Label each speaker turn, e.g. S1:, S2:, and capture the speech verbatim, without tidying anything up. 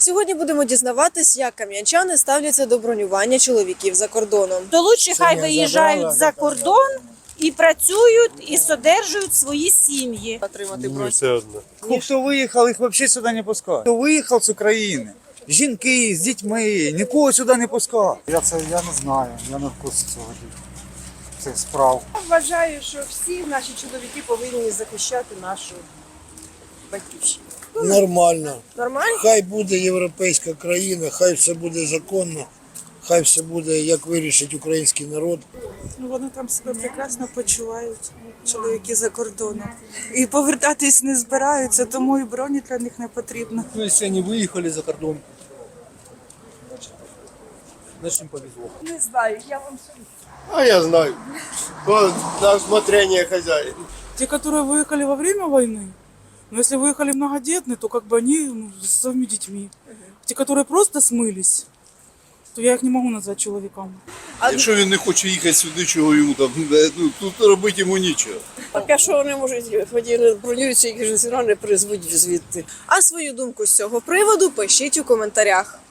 S1: Сьогодні будемо дізнаватись, як кам'янчани ставляться до бронювання чоловіків за кордоном.
S2: То лучше хай виїжджають за кордон і працюють, і содержують свої сім'ї.
S1: Отримати
S3: Мені все одно.
S4: Ну, хто виїхав, їх взагалі сюди не пускають. Хто виїхав з України, жінки з дітьми, нікого сюди не пускають.
S5: Я це я не знаю, я не в курсі цього цих справ.
S6: Вважаю, що всі наші чоловіки повинні захищати нашу батьківщину.
S7: Нормально.
S1: Нормально?
S7: Хай буде європейська країна, хай все буде законно, хай все буде, як вирішить український народ.
S8: Ну, вони там себе прекрасно почувають, чоловіки за кордоном. І повертатись не збираються, тому і броні для них не потрібно.
S9: Ну, если они выехали за кордон, значит им повезло.
S6: Не знаю, я вам
S3: А я знаю. То на усмотрение хозяина.
S8: Те, которые выехали во время войны, но если выехали многодетные, то как бы они ну, с своими детьми. Те, которые просто смылись, то я их не могу назвать чоловіками.
S3: Якщо він не хоче їхати сюди, чого йому там, ну, тут робити йому нічого.
S6: поки що вони можуть, ході бронюються, їх ж все одно не призвуть звідти.
S1: А свою думку з цього приводу пишіть у коментарях.